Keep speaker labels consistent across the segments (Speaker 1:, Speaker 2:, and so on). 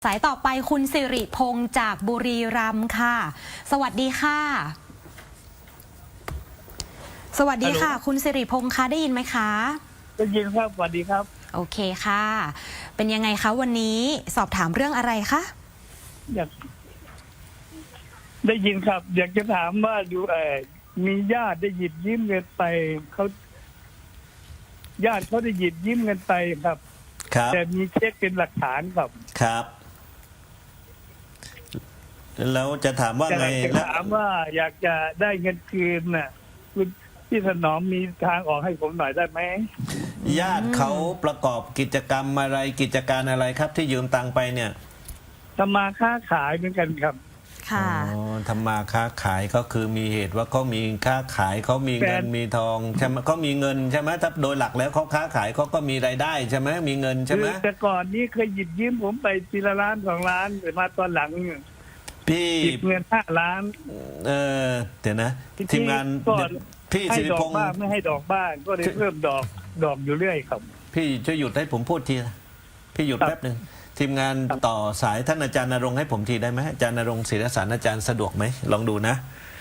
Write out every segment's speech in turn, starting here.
Speaker 1: สายต่อไปคุณสิริพงษ์จากบุรีรัมย์ค่ะสวัสดีค่ะสวัสดีค่ะคุณสิริพงษ์คะได้ยินไหมคะ
Speaker 2: ได้ยินครับสวัสดีครับ
Speaker 1: โอเคค่ะเป็นยังไงคะวันนี้สอบถามเรื่องอะไรคะ
Speaker 2: อยากได้ยินครับอยากจะถามว่าดูมีญาติได้หยิบยืมเงินไปเขาญาติเขาได้หยิบยืมเงินไปครับแต่มีเช็คเป็นหลักฐาน
Speaker 3: ครับแล้วจะถามว่าไง
Speaker 2: จะถามว่าอยากจะได้เงินคืนน่ะคุณพี่ถนอมมีทางออกให้ผมหน่อยได้ไหม
Speaker 3: ญาติเขาประกอบกิจกรรมอะไรกิจการอะไรครับที่ยืมตังไปเนี่ย
Speaker 2: ทำมาค้าขายเหมือนกันครับ
Speaker 1: ค่ะ
Speaker 3: ทำมาค้าขายก็คือมีเหตุว่าเขามีค้าขายเขามีเงินมีทองใช่ไหมเขามีเงินใช่ไหมถ้าโดยหลักแล้วเขาค้าขายเขาก็มีรายได้ใช่ไหมมีเงินใช่ไหม
Speaker 2: แต่ก่อนนี้เคยหยิบยืมผมไปทีละล้าน2 ล้านแต่มาตอนหลัง
Speaker 3: พี่
Speaker 2: หยิบเงิน5 ล้าน
Speaker 3: เดี๋ยวนะทีมงานพี่สิริพงษ์
Speaker 2: ไม่ให้ดอกบ้างก็เลยเพิ่มดอกอยู่เรื่อยครับ
Speaker 3: พี่ช่วยหยุดให้ผมพูดทีพี่หยุดแป๊บหนึ่งทีมงานต่อสายท่านอาจารย์ณรงค์ให้ผมทีได้ไหมอาจารย์ณรงค์ศิรสารอาจารย์สะดวกไหมลองดูนะ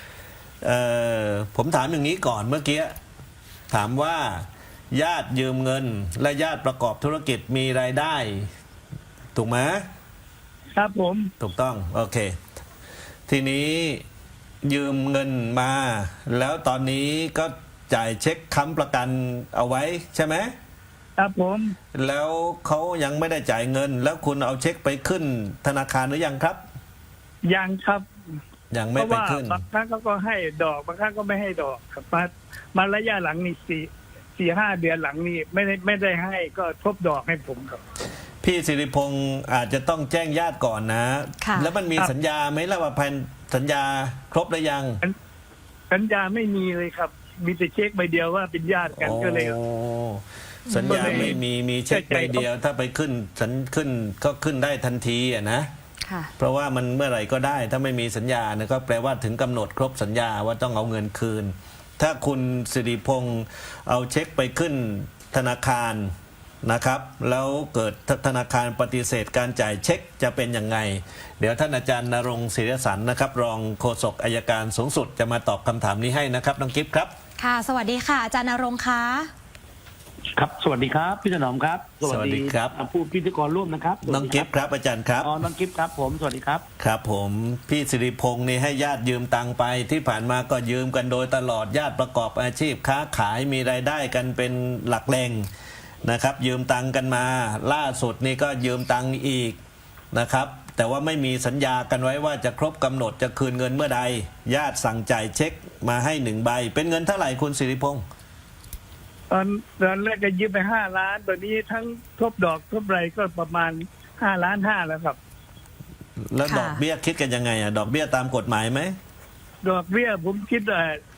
Speaker 3: ผมถามอย่างนี้ก่อนเมื่อกี้ถามว่าญาติยืมเงินและญาติประกอบธุรกิจมีรายได้ถูกไหม
Speaker 2: ครับผม
Speaker 3: ถูกต้องโอเคทีนี้ยืมเงินมาแล้วตอนนี้ก็จ่ายเช็คค้ำประกันเอาไว้ใช่ไหม
Speaker 2: ครับผม
Speaker 3: แล้วเขายังไม่ได้จ่ายเงินแล้วคุณเอาเช็คไปขึ้นธนาคารหรือยังครับ
Speaker 2: ยังครับ
Speaker 3: ยังไม่ไปขึ้น
Speaker 2: บางครั้งเขาก็ให้ดอกบางครั้งก็ไม่ให้ดอกครับมาระยะหลังนี่4-5 เดือนหลังนี่ไม่ได้ให้ก็ทบดอกให้ผมครับ
Speaker 3: พี่สิริพงษ์อาจจะต้องแจ้งญาติก่อนนะแล้วมันมีสัญญาไหมล่ะว่าพันสัญญาครบหรือยัง
Speaker 2: สัญญาไม่มีเลยครับมีแต่เช็คใบเดียวว่าเป็นญาติกันก็เลย
Speaker 3: สัญญาไม่มีเช็คใบเดียวถ้าไปขึ้นก็ขึ้นได้ทันทีอ่ะนะเพราะว่ามันเมื่อไหร่ก็ได้ถ้าไม่มีสัญญาเนี่ยก็แปลว่าถึงกำหนดครบสัญญาว่าต้องเอาเงินคืนถ้าคุณสิริพงษ์เอาเช็คไปขึ้นธนาคารนะครับแล้วเกิดธนาคารปฏิเสธการจ่ายเช็คจะเป็นยังไงเดี๋ยวท่านอาจารย์ณรงค์ศิรสรรนะครับรองโฆษกอัยการสูงสุดจะมาตอบคำถามนี้ให้นะครับน้องกิฟต์ครับ
Speaker 1: ค่ะสวัสดีค่ะอาจารย์ณรงค์คะ
Speaker 4: ครับสวัสดีครับพี่ถนอมครับ
Speaker 3: สวัสดีครับ
Speaker 4: ผู้พิธีกรร่วมนะครับ
Speaker 3: น้องกิฟต์ครับอาจารย์ครับ
Speaker 4: น้องกิฟต์ครับผมสวัสดีครับ
Speaker 3: ครับผมพี่สิริพงษ์นี่ให้ญาติยืมตังไปที่ผ่านมาก็ยืมกันโดยตลอดญาติประกอบอาชีพค้าขายมีรายได้กันเป็นหลักแหล่งนะครับยืมตังกันมาล่าสุดนี่ก็ยืมตังอีกนะครับแต่ว่าไม่มีสัญญากันไว้ว่าจะครบกำหนดจะคืนเงินเมื่อใดญาติสั่งจ่ายเช็คมาให้1 ใบเป็นเงินเท่าไหร่คุณสิริพงษ์
Speaker 2: ตอนแรกก็ยืมไป5 ล้านตอนนี้ทั้งทบดอกทบไรก็ประมาณ5.5 ล้านแล้วครับ
Speaker 3: แล้วดอกเบี้ยคิดกันยังไงดอกเบี้ยตามกฎหมายไหม
Speaker 2: ดอกเบี้ยผมคิด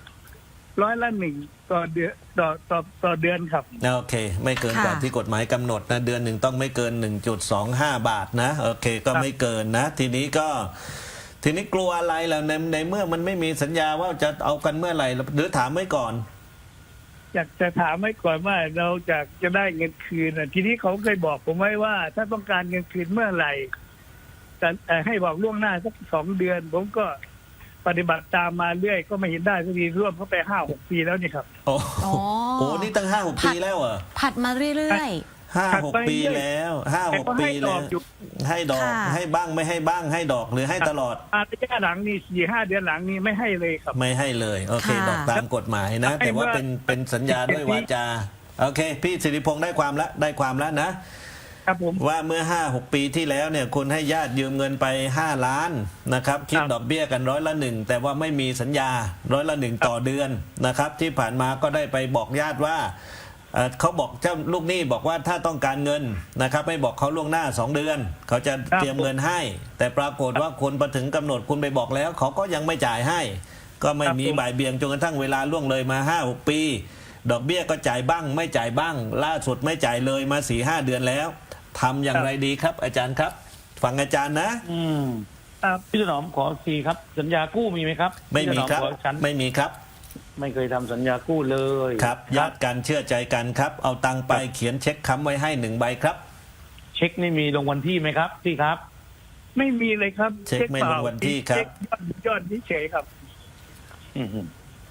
Speaker 2: 100% ต่อเดือนต่อเดือนครับ
Speaker 3: โอเคไม่เกินกว่าที่กฎหมายกำหนดนะเดือนหนึ่งต้องไม่เกิน 1.25 บาทนะโอเคก็ไม่เกินนะทีนี้กลัวอะไรแล้วในเมื่อมันไม่มีสัญญาว่าจะเอากันเมื่อไหร่หรือถามไว้ก่อน
Speaker 2: อยากจะถามไว้ก่อนว่าเราจะได้เงินคืนทีนี้เขาเคยบอกผมไว้ว่าถ้าต้องการเงินคืนเมื่อไหร่แต่ให้บอกล่วงหน้าสัก2 เดือนผมก็ปฏิบัติตามมาเรื่อยก็ไม่เห็นได้สักทีร่วมเข้าไป5-6 ปีแล้วนี่ครับ
Speaker 3: โอ้โหนี่ตั้ง5-6 ปีแล้วเหรอ
Speaker 1: ผัดมาเรื่อย
Speaker 3: ๆ5-6 ปีแล้ว5-6 ปีแล้วให้ดอกให้บ้างไม่ให้บ้างให้ดอกหรือให้ตลอด
Speaker 2: ระยะหลังนี่4-5 เดือนหลังนี่ไม่ให้เลยครับ
Speaker 3: ไม่ให้เลยโอเคดอกตามกฎหมายนะแต่ว่าเป็นสัญญาด้วยวาจาโอเคพี่สิริพงษ์ได้ความแล้วนะครับว่าเมื่อ5-6 ปีที่แล้วเนี่ยคุณให้ญาติยืมเงินไป5 ล้านนะครับคิดดอกเบี้ยกัน100% แต่ว่าไม่มีสัญญา100% ต่อเดือนนะครับที่ผ่านมาก็ได้ไปบอกญาติว่าเขาบอกเจ้าลูกหนี้บอกว่าถ้าต้องการเงินนะครับไม่บอกเขาล่วงหน้า2 เดือนเขาจะเตรียมเงินให้แต่ปรากฏว่าคุณพอถึงกำหนดคุณไปบอกแล้วเขาก็ยังไม่จ่ายให้ก็ไม่มีบ่ายเบี่ยงจนกระทั่งเวลาล่วงเลยมา5-6 ปีดอกเบี้ยก็จ่ายบ้างไม่จ่ายบ้างล่าสุดไม่จ่ายเลยมา4-5 เดือนแล้วทำอย่างไรดีครับอาจารย์ครับฟังอาจารย์นะ
Speaker 4: พี่ถนอมขอทีครับสัญญากู้มีไหมครับ
Speaker 3: ไม่มีครับไม่มีครับ
Speaker 4: ไม่เคยทำสัญญากู้เลย
Speaker 3: ครับญาติกันเชื่อใจกันครับเอาตังไปเขียนเช็คค้ำไว้ให้1 ใบครับ
Speaker 4: เช็คนี่มีลงวันที่ไหมครับพี่ครับ
Speaker 2: ไม่มีเลยครับ
Speaker 3: เช็คไม่ลงวันที่ครับ
Speaker 2: เช็คยอดเฉยๆครับ
Speaker 4: อืม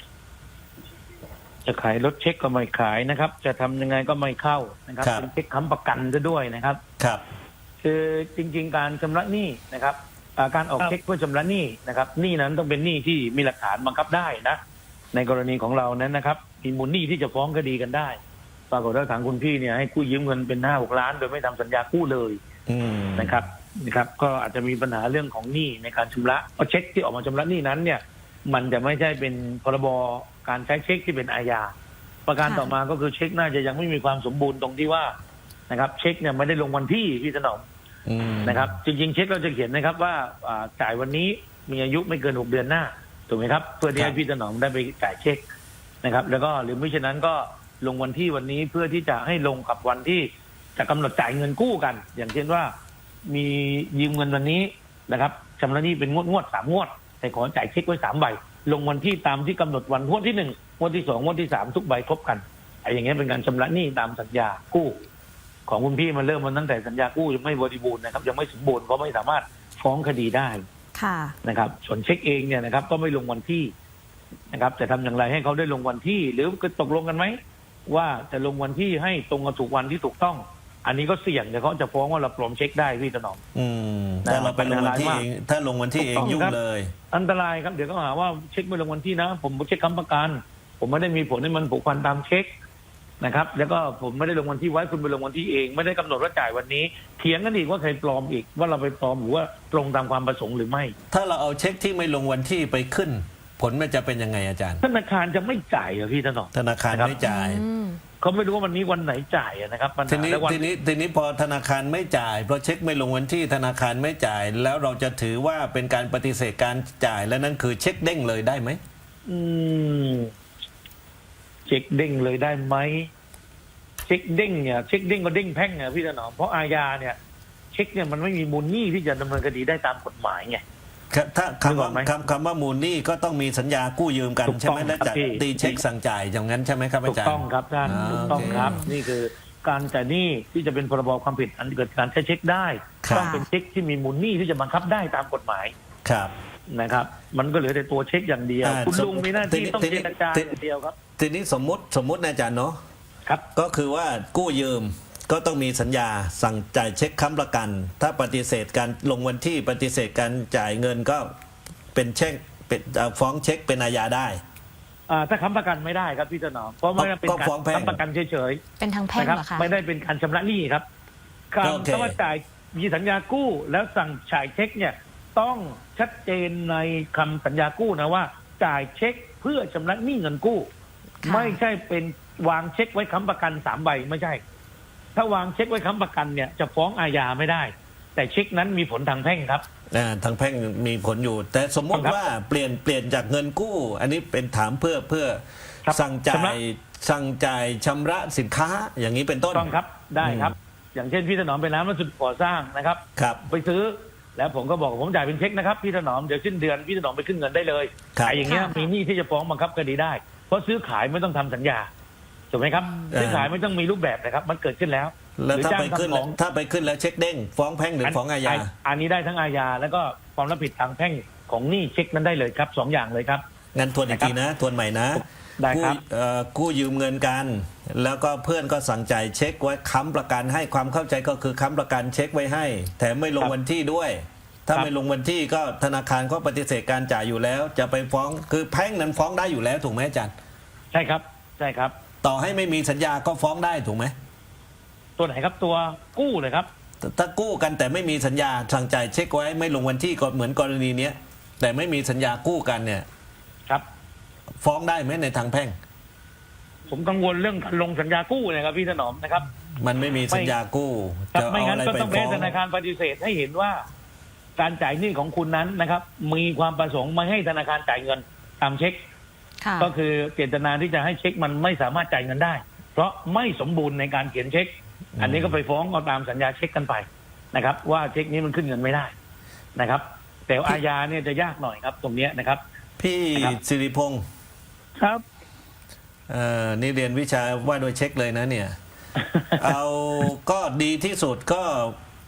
Speaker 4: จะขายรถเช็คก็ไม่ขายนะครับ จะทำยังไงก็ไม่เข้านะครับ
Speaker 3: ครับ
Speaker 4: เป็นเช็คค้ำประกันซะด้วยนะครับ
Speaker 3: ครับ
Speaker 4: คือจริง ๆ การชำระหนี้นะครับการออก
Speaker 2: ครับ
Speaker 4: เช็คเพื่อชำระหนี้นะครับหนี้นั้นต้องเป็นหนี้ที่มีหลักฐานบังคับได้นะในกรณีของเรานั้นนะครับมีมูลหนี้ที่จะฟ้องคดีกันได้ปรากฏว่าทางคุณพี่เนี่ยให้กู้ยืมเงินเป็น5-6 ล้าน โดยไม่ทำสัญญากู้เลย
Speaker 3: อืม
Speaker 4: นะครับก็อาจจะมีปัญหาเรื่องของหนี้ในการชำระเพราะเช็คที่ออกมาชำระหนี้นั้นเนี่ยมันจะไม่ใช่เป็นพรบการใช้เช็คที่เป็นอาญาประการ
Speaker 1: ค่ะ
Speaker 4: ต่อมาก็คือเช็คน่าจะยังไม่มีความสมบูรณ์ตรงที่ว่านะครับเช็คเนี่ยไม่ได้ลงวันที่พี่ถนอม
Speaker 3: อืม
Speaker 4: นะครับจริงๆเช็คเราจะเขียนนะครับว่าจ่ายวันนี้มีอายุไม่เกิน6 เดือนหน้าถูกไหมครับเพื่อที่ให้พี่ถนอมได้ไปจ่ายเช็คนะครับแล้วก็หรือไม่เช่นนั้นก็ลงวันที่วันนี้เพื่อที่จะให้ลงกับวันที่จะกำหนดจ่ายเงินกู้กัน อย่างเช่นว่ามียืมเงินวันนี้นะครับชำระหนี้เป็นงวด3 งวดแต่ขอจ่ายเช็คไว้3 ใบลงวันที่ตามที่กำหนดวันงวดที่1งวดที่2งวดที่3ทุกใบครบกันไอ้อย่างเงี้ยเป็นการชำระหนี้ตามสัญญากู้ของคุณพี่มันเริ่มมาตั้งแต่สัญญากู้ยังไม่บริบูรณ์นะครับยังไม่สมบูรณ์เพราะไม่สามารถฟ้องคดีได้
Speaker 1: ค่ะ
Speaker 4: นะครับส่วนเช็คเองเนี่ยนะครับก็ไม่ลงวันที่นะครับจะทำอย่างไรให้เขาได้ลงวันที่ หรือตกลงกันไหมว่าจะลงวันที่ให้ตรงกับถูกวันที่ถูกต้อง อันนี้ก็เสี่ยงเดี๋ยวเขาจะฟ้องว่าเราปลอมเช็คได้พี่ถนอม
Speaker 3: อืมถ้าเราไปลงวันที่เองถ้าลงวันที่เอง
Speaker 4: ถูกต้อง
Speaker 3: ยุ่ง
Speaker 4: ครับ
Speaker 3: เลย
Speaker 4: อันตรายครับเดี๋ยวก็หาว่าเช็คไม่ลงวันที่นะ ผมเช็คค้ำประกันผมไม่ได้มีผลให้มันผูกพันตามเช็คนะครับแล้วก็ผมไม่ได้ลงวันที่ไว้คุณไปลงวันที่เองไม่ได้กำหนดว่าจ่ายวันนี้เถียงกันอีกว่าใครปลอมอีกว่าเราไปปลอมหรือว่าตรงตามความประสงค์หรือไม่
Speaker 3: ถ้าเราเอาเช็คที่ไม่ลงวันที่ไปขึ้น ผลมันจะเป็นยังไงอาจารย์
Speaker 4: ธนาคารจะไม่จ่ายเหรอพี่ถนอม
Speaker 3: ธนาคาร
Speaker 4: นะครับ
Speaker 3: ไม่จ่าย
Speaker 1: อืม
Speaker 4: เขาไม่รู้ว่าวันนี้วันไหนจ่ายอะนะครับปัญ
Speaker 3: ที
Speaker 4: หา
Speaker 3: นี้
Speaker 4: และวัน
Speaker 3: ทีนี้พอธนาคารไม่จ่ายเพราะเช็คไม่ลงวันที่ธนาคารไม่จ่าย แล้วเราจะถือว่าเป็นการปฏิเสธการจ่ายและนั่นคือเช็คเด้งเลยได้ไหม
Speaker 4: อืมเช็คเด้งเลยได้ไหมเช็คเด้งเนี่ยเช็คเด้งก็เด้งแพ่งเนี่ยพี่ถนอมเพราะอาญาเนี่ยเช็คเนี่ยมันไม่มีมูลหนี้ที่จะดำเนินคดีได้ตามกฎหมายไง
Speaker 3: ถ้า
Speaker 4: นึกออกไหม
Speaker 3: คำว่ามูลหนี้ก็ต้องมีสัญญากู้ยืมกัน
Speaker 4: ถูก
Speaker 3: ใช่ไหม
Speaker 4: ต้อง
Speaker 3: และ
Speaker 4: ครับ
Speaker 3: จัด
Speaker 4: พี่
Speaker 3: ตีเช็คสั่งจ่ายอย่างนั้นใช่ไหมครับ
Speaker 4: ถู
Speaker 3: อาก จารย์
Speaker 4: ต้องครับท่าน
Speaker 3: อ่า
Speaker 4: ถูกต้อง
Speaker 3: โอเค
Speaker 4: ครับ นี่คือการจ่ายหนี้ที่จะเป็นพรบความผิดอันเกิดการใช้เช็คได้
Speaker 3: ครับ
Speaker 4: ต้องเป็นเช็คที่มีมูลหนี้ที่จะบังคับได้ตามกฎหมาย
Speaker 3: ครับ
Speaker 4: นะครับ มันก็เหลือแต่ตัวเช็คอย่างเดียว
Speaker 3: อ่า
Speaker 4: คุณลุงมีหน้าที่ต้อง
Speaker 3: ทีนี้
Speaker 4: เจรจาอย่างเดียวครับ
Speaker 3: ทีนี้สมมตินะอาจารย์เนาะ
Speaker 4: ครับ
Speaker 3: ก็คือว่ากู้ยืมก็ต้องมีสัญญาสั่งจ่ายเช็คค้ำประกัน ถ้าปฏิเสธการลงวันที่ปฏิเสธการจ่ายเงินก็เป็นเช็คเป็นฟ้องเช็คเป็นอาญาได้
Speaker 4: ถ้าค้ำประกันไม่ได้ครับพี่ถนอมเพราะไม่ได้เป็น
Speaker 3: ก็
Speaker 4: การ
Speaker 3: ฟ้องแพ่ง
Speaker 4: ค้ำประกันเฉย
Speaker 1: เป็นทาง
Speaker 4: ๆ
Speaker 1: แพ่ง
Speaker 4: นะครับ
Speaker 1: เหรอคะ
Speaker 4: ไม่ได้เป็นการชำระหนี้ครับการ
Speaker 3: โอเค
Speaker 4: ถ้าว่าจ่ายมีสัญญากู้แล้วสั่งจ่ายเช็คเนี่ยต้องชัดเจนในคำสัญญากู้นะว่า จ่ายเช็คเพื่อชำระหนี้เงินกู้
Speaker 1: ค่ะ
Speaker 4: ไม่ใช่เป็นวางเช็คไว้ค้ำประกัน3 ใบไม่ใช่ ถ้าวางเช็คไว้ค้ำประกันเนี่ยจะฟ้องอาญาไม่ได้ แต่เช็คนั้นมีผลทางแพ่งครับ
Speaker 3: ทางแพ่งมีผลอยู่ แต่สมมติ
Speaker 4: ครับ
Speaker 3: ว่าเปลี่ยนจากเงินกู้ อันนี้เป็นถามเพื่อ
Speaker 4: ครับ
Speaker 3: สั่งจ่า
Speaker 4: ชำระ
Speaker 3: ยชำระสินค้าอย่างนี้เป็นต้น
Speaker 4: ต้องครับได้ครับ อย่างเช่นพี่ถนอมเป็นร้านวัสดุก่อสร้างนะครับ
Speaker 3: ครับ
Speaker 4: ไปซื้อแล้วผมก็บอกผมจ่ายเป็นเช็คนะครับพี่ถนอมเดี๋ยวสิ้นเดือนพี่ถนอมไปขึ้นเงินได้เลย
Speaker 3: ครับ
Speaker 4: ไอ้อย่างเงี้ย
Speaker 1: ค่ะ
Speaker 4: มีหนี้ที่จะฟ้องบังคับคดีได้ เพราะซื้อขายไม่ต้องทำสัญญาถูกไหมครับซื้อขายไม่ต้องมีรูปแบบนะครับ มันเกิดขึ้นแล้ว
Speaker 3: แล้ว
Speaker 4: หรือ
Speaker 3: ถ้า
Speaker 4: จ้าง
Speaker 3: ไปขึ้น
Speaker 4: ทำของ
Speaker 3: ถ้าไปขึ้นแล้วเช็คเด้งฟ้องแพ่งหรือฟ้องอาญา
Speaker 4: อันนี้ได้ทั้งอาญาแล้วก็ความรับผิดทางแพ่งของหนี้เช็คนั้นได้เลยครับ2 อย่างเลยครับ
Speaker 3: งั้นทวนอีกทีนะทวนใหม่นะ
Speaker 4: ได้ครับ
Speaker 3: กู้ยืมเงินกัน แล้วก็เพื่อนก็สั่งจ่ายเช็คไว้ค้ำประกันให้ความเข้าใจก็คือค้ำประกันเช็คไว้ให้ แถมไม่ลงวันที่ด้วย ถ้าไม่ลงวันที่ก็ธนาคารก็ปฏิเสธการจ่ายอยู่แล้ว จะไปฟ้องคือแพ่งนั้นฟ้องได้อยู่แล้วถูกไหมอาจารย์
Speaker 4: ใช่ครับใช่ครับ
Speaker 3: ต่อให้ไม่มีสัญญาก็ฟ้องได้ถูกไหม
Speaker 4: ตัวไหนครับตัวกู้เลยครับ
Speaker 3: ถ้ากู้กันแต่ไม่มีสัญญาสั่งจ่ายเช็คไว้ไม่ลงวันที่ก็เหมือนกรณีเนี้ยแต่ไม่มีสัญญากู้กันเนี่ย
Speaker 4: ครับ
Speaker 3: ฟ้องได้ไหมในทางแพ่ง
Speaker 4: ผมกังวลเรื่องการลงสัญญากู้เนะครับพี่ถนอมนะครับ
Speaker 3: มันไม่มีสัญญากู้
Speaker 4: ครับ
Speaker 3: จะ
Speaker 4: ไม่
Speaker 3: เอา
Speaker 4: งั้น
Speaker 3: อะไร
Speaker 4: ก็
Speaker 3: ไป
Speaker 4: ต้อง
Speaker 3: ฟ้
Speaker 4: ให้
Speaker 3: อง
Speaker 4: ธนาคารปฏิเสธให้เห็นว่า การจ่ายหนี้ของคุณนั้นนะครับ มีความประสงค์ไม่ให้ธนาคารจ่ายเงินตามเช็ค
Speaker 1: ค่ะ
Speaker 4: ก็คือเจตนาที่จะให้เช็คมันไม่สามารถจ่ายเงินได้ เพราะไม่สมบูรณ์ในการเขียนเช็ค อันนี้ก็ไปฟ้องเอาตามสัญญาเช็คกันไปนะครับ ว่าเช็คนี้มันขึ้นเงินไม่ได้นะครับ แต่อาญาเนี่ยจะยากหน่อยครับ ตรงเนี้ยนะครับ
Speaker 3: พี่
Speaker 4: ครับ
Speaker 3: สิริพงศ์
Speaker 2: ครับ
Speaker 3: นี่เรียนวิชาว่าโดยเช็คเลยนะเนี่ย เอาก็ดีที่สุดก็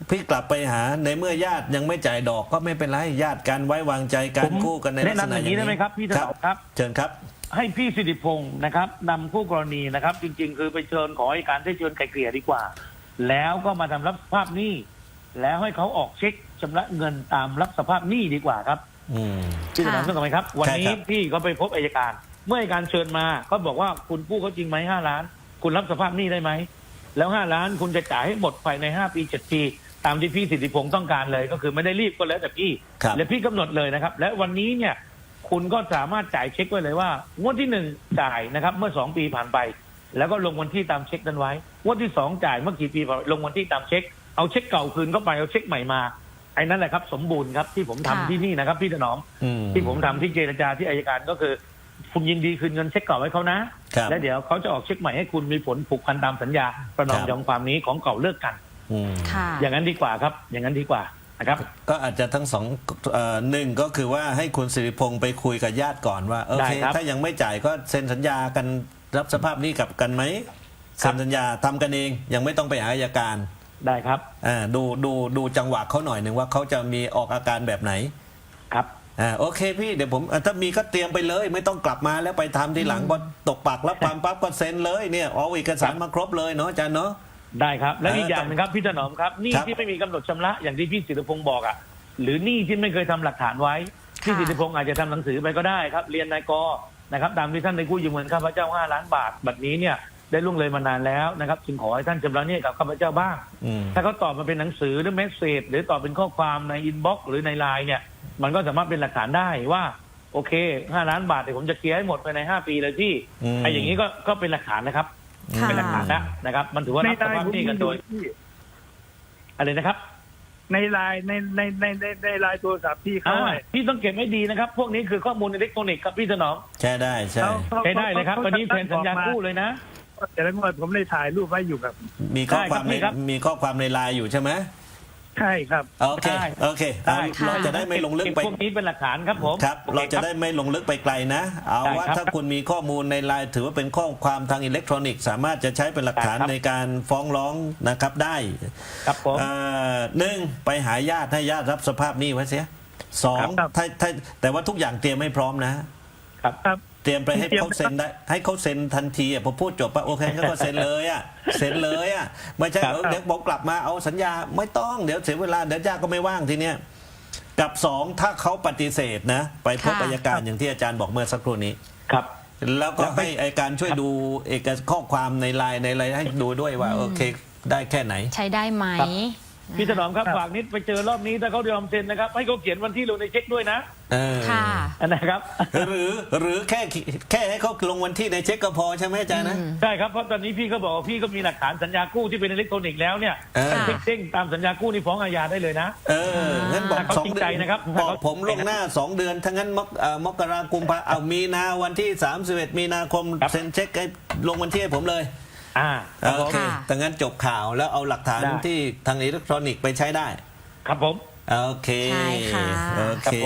Speaker 3: พี่กลับไปหาในเมื่อญาติยังไม่จ่ายดอกก็ไม่เป็นไรญาติกันไว้วางใจกั
Speaker 4: ผ
Speaker 3: น
Speaker 4: ม
Speaker 3: กู้กันในลักษ
Speaker 4: แนะนำ
Speaker 3: ณะ
Speaker 4: อย่างนี้ได้ไหมครับพี่ถนอมครับ
Speaker 3: เชิญครับ
Speaker 4: ให้พี่สิริพงศ์นะครับนำคู่กรณีนะครับ จริง ๆ คือไปเชิญขอให้การได้เชิญไกลเกลี่ยดีกว่า แล้วก็มาทำรับสภาพหนี้แล้วให้เขาออกเช็คชำระเงินตามรับสภาพหนี้ดีกว่าครับ
Speaker 3: อืม
Speaker 4: พี่ถนอมต้องไหมครับ วันนี้
Speaker 3: ใช่ครับ
Speaker 4: พี่ก็ไปพบอัยการ เมื่ออัยการเชิญมาก็บอกว่าคุณกู้เขาจริงไหม5 ล้าน คุณรับสภาพหนี้ได้ไหมแล้ว5 ล้านคุณจะจ่ายให้หมดภายใน5 ปี 7 ปี ตามที่พี่สิทธิพงศ์ต้องการเลย ก็คือไม่ได้รีบก็แล้วแต่พี่
Speaker 3: ครับ
Speaker 4: และพี่กำหนดเลยนะครับ และวันนี้เนี่ยคุณก็สามารถจ่ายเช็คไว้เลยว่างวดที่1จ่ายนะครับเมื่อ2 ปีผ่านไป แล้วก็ลงวันที่ตามเช็คนั้นไว้งวดที่2จ่ายเมื่อกี่ปีผ่านไปลงวันที่ตามเช็คเอาเช็คเก่าคืนเข้าไปเอาเช็คใหม่มาไอ้นั่นแหละครับสมบูรณ์ครับที่ผมทำ
Speaker 1: ค่ะ
Speaker 4: ที่นี่นะครับพี่ถนอม
Speaker 3: อืม
Speaker 4: ที่ผมทำที่เจรจาที่อัยการก็คือ คุณยินดีคืนเงินเช็คเก่าให้เขานะครับ และเดี๋ยวเขาจะออกเช็คใหม่ให้คุณมีผลผูกพันตามสัญญาประนอม
Speaker 3: ครับ
Speaker 4: ยอมความนี้ของเก่าเลิกกัน
Speaker 3: อืม
Speaker 1: ค่ะ
Speaker 4: อย่างนั้นดีกว่าครับ อย่างนั้นดีกว่านะครับ
Speaker 3: ก็อาจจะทั้งสองหนึ่งก็คือว่าให้คุณสิริพงศ์ไปคุยกับญาติก่อนว่าโอเค
Speaker 4: ได้ครับ
Speaker 3: ถ้ายังไม่จ่ายก็เซ็นสัญญากันรับสภาพหนี้กับกันไหม
Speaker 4: ครั
Speaker 3: เซ็
Speaker 4: บ
Speaker 3: นสัญญาทำกันเองยังไม่ต้องไปหาอัยการ
Speaker 4: ได้ครับ
Speaker 3: ดูจังหวะเขาหน่อยหนึ่งว่าเขาจะมีออกอาการแบบไหน
Speaker 4: ครับ
Speaker 3: โอเคพี่เดี๋ยวผมถ้ามีก็เตรียมไปเลย ไม่ต้องกลับมาแล้วไปทำทีหลังพอตกปากรับความปั๊บก็เซ็นเลยเนี่ยเอาเอกสารมาครบเลยเนาะอาจารย์เนาะ
Speaker 4: ได้ครับและอีก
Speaker 3: เออ
Speaker 4: อย่างหนึงครับพี่ถนอมครับหนี้
Speaker 3: ครับ
Speaker 4: ที่ไม่มีกำหนดชำระอย่างที่พี่สิทธิพงศ์บอกอ่ะหรือหนี้ที่ไม่เคยทำหลักฐานไว้พี่
Speaker 1: ค่ะ
Speaker 4: สิทธิพงศ์อาจจะทำหนังสือไปก็ได้ครับเรียนนายกนะครับตามที่ท่านได้กู้ยืมเงินข้าพเจ้า5 ล้านบาทบัดนี้เนี่ยได้ล่วงเลยมานานแล้วนะครับจึงขอให้ท่านชำระหนี้กับข้าพเจ้าบ้าง
Speaker 3: อืม
Speaker 4: ถ้าเขาตอบมาเป็นหนังสือหรือเมสเซจหรือตอบเป็นข้อความในอินบ็อกซ์หรือในไลน์เนี่ยมันก็สามารถเป็นหลักฐานได้ว่าโอเค5 ล้านบาทเดี๋ยวผมจะเคลียร์ให้หมดภายใน5 ปีเลยที่ไอ้อย่างนี้ก็เป็นหลักฐานนะครับ
Speaker 1: ค่ะ
Speaker 4: เป็นหลักฐานนะครับ มันถือว่า
Speaker 2: ใน
Speaker 4: รับส
Speaker 2: ไล
Speaker 4: ภาพ
Speaker 2: น์ผม
Speaker 4: หนี้กันโดย
Speaker 2: ที่
Speaker 4: อะไรนะครับ
Speaker 2: ในไลน์ในไลน์โทรศัพท์ที่เขาให้
Speaker 4: พี่ต้องเก็บไว้ดีนะครับ พวกนี้คือข้อมูลอิเล็กทรอนิกส์ครับพี่ถนอม
Speaker 3: ใช่ได้ใช่
Speaker 4: ใช้ได้เลยครับ วันนี้แทนสัญญากู้เลยนะ
Speaker 2: แต่ละงวดผมได้ถ่ายรูปไว้อยู่ครับ
Speaker 3: มีข้อความ
Speaker 4: ได้ครับ
Speaker 3: มีข้อความในไลน์อยู่ใช่ไหม
Speaker 2: ใช่ครับ
Speaker 3: โอเค
Speaker 4: ได้
Speaker 3: โอเค
Speaker 4: ได้
Speaker 3: เราจะได้ไม่ลงลึกไป
Speaker 4: พวกนี้เป็นหลักฐานครับผม
Speaker 3: ครับ
Speaker 4: โอค
Speaker 3: เราจะได้ไม่ลงลึกไปไกลนะ เอา
Speaker 4: ได้
Speaker 3: ว่า
Speaker 4: ครับ
Speaker 3: ถ้าคุณมีข้อมูลในไลน์ถือว่าเป็นข้อความทางอิเล็กทรอนิกส์สามารถจะใช้เป็นหลักฐาน
Speaker 4: ได้ครับ
Speaker 3: ในการฟ้องร้องนะครับได้
Speaker 4: ครับผม
Speaker 3: หนึ่งไปหาญาติให้ญาติรับสภาพหนี้ไว้เสียสอง
Speaker 2: ครับ
Speaker 3: ถ้าแต่ว่าทุกอย่างเตรียมให้พร้อมนะ
Speaker 2: ครับ
Speaker 3: เตรียมไปให้
Speaker 2: เตรียม
Speaker 3: เขาเซ็นได้ให้เขาเซ็นทันทีอ่ะพอพูดจบปะโอเคก็เซ็นเลยอ่ะเซ็นเลยอ่ะไม่ใช่
Speaker 4: ครับ
Speaker 3: เดี๋ยวผมกลับมาเอาสัญญาไม่ต้องเดี๋ยวเสียเวลาเดี๋ยวญาติก็ไม่ว่างทีเนี้ยกับสองถ้าเขาปฏิเสธนะ ไปพบ
Speaker 1: ค่ะ
Speaker 3: อัยการอย่างที่อาจารย์บอกเมื่อสักครู่นี้
Speaker 4: ครับ
Speaker 3: แล้วก็
Speaker 4: แล้วไป
Speaker 3: ให้อัยการช่วยดูข้อความในไลน์ในอะไรให้ดูด้วยว่าโอเคได้แค่ไหน
Speaker 1: ใช้ได้ไหม
Speaker 4: ครับ พี่ถนอมครับ
Speaker 2: ครับ
Speaker 4: ฝากนิดไปเจอรอบนี้ถ้าเขายอมเซ็นนะครับให้เขาเขียนวันที่ลงในเช็คด้วยนะ
Speaker 3: เออ
Speaker 1: ค่ะ
Speaker 4: นะครับ
Speaker 3: หรือแค่ให้เขาลงวันที่ในเช็คก็พอใช่ไหมอาจารย์นะ
Speaker 4: ใช่ครับเพราะตอนนี้พี่ก็บอกว่าพี่ก็มีหลักฐานสัญญากู้ที่เป็นอิเล็กทรอนิกส์แล้วเนี่ย
Speaker 3: เออ
Speaker 4: ถ้าเช็คเด้งตามสัญญากู้นี่ฟ้องอาญาได้เลยนะ
Speaker 3: งั้นบอก
Speaker 4: ถ้าเขา
Speaker 3: สอง
Speaker 4: จริง
Speaker 3: เดื
Speaker 4: ใจ
Speaker 3: อน
Speaker 4: นะครับ
Speaker 3: บอกผมล่วงหน้า 2 เดือนทั้งนั้นมกราคมเอามีนาวันที่ 31 มีนาคม
Speaker 4: ครับ
Speaker 3: เซ็นเช็คให้ลงวันที่ให้ผมเลย
Speaker 4: ครับผ
Speaker 3: โอ
Speaker 4: ม
Speaker 3: เค
Speaker 1: ค่ะ
Speaker 3: แต่งั้นจบข่าวแล้วเอาหลักฐาน
Speaker 4: ได้
Speaker 3: ที่ทางอิเล็กทรอนิกส์ไปใช้ได้
Speaker 4: ครับผม
Speaker 3: โอเค
Speaker 1: ใช่ค่ะ
Speaker 3: โอ
Speaker 4: ครั
Speaker 3: เค
Speaker 4: บผม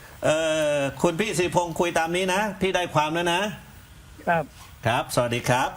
Speaker 3: คุณพี่สิริพงศ์คุยตามนี้นะ พี่ได้ความแล้วนะ
Speaker 2: ครับ
Speaker 3: ครับ สวัสดีครับ